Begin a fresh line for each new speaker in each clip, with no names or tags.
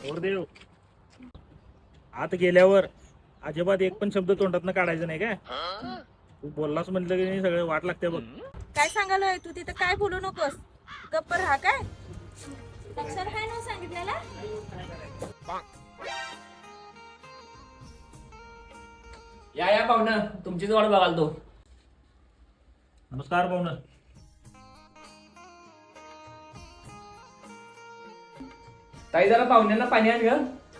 देव आत गेल्यावर अजिबात एक पण शब्द तोंडातनं काढायचं नाही काय. तू बोललास म्हटलं की नाही सगळं वाट लागते बघ.
काय सांगायला तू तिथं काय बोलू नकोस. गप्प राहा काय. अक्षर काय नाव सांगितलेला.
या पाहुणं तुमचीच वाट बघाल तो.
नमस्कार पाहुणं.
ताई जरा पाहुण्यांना पाणी आण ग.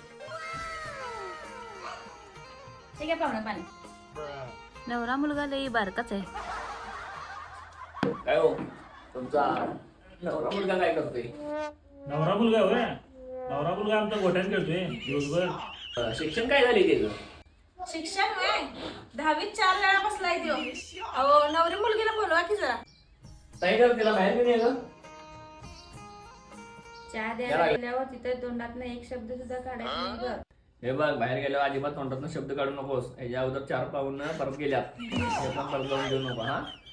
ठीक आहे पाहुणा पाणी. नवरा मुलगा लई बारकाच आहे.
काय हो तुमचा नवरा मुलगा काय करतोय.
नवरा मुलगा होय. नवरा मुलगा आमचा गोठ्यात खेळतोय दिवसभर.
शिक्षण काय झाले त्याचं.
शिक्षण होय 10वीत 4 वेळा बसलाय त्यो. अहो नवरी मुलगीला बोलवा की जरा.
ताई जरा तिला बाहेर घेऊन ये ग.
चहा द्यायला गेल्यावर तिथे तोंडातनं एक शब्द सुद्धा काढायचा नाही ग.
हे बघ बाहेर गेल्यावर अजिबात तोंडातून शब्द काढू नकोस. याच्या अगोदर 4 पाहुणं परत गेल्यात. हे पण परत जाऊन देऊ नको हा.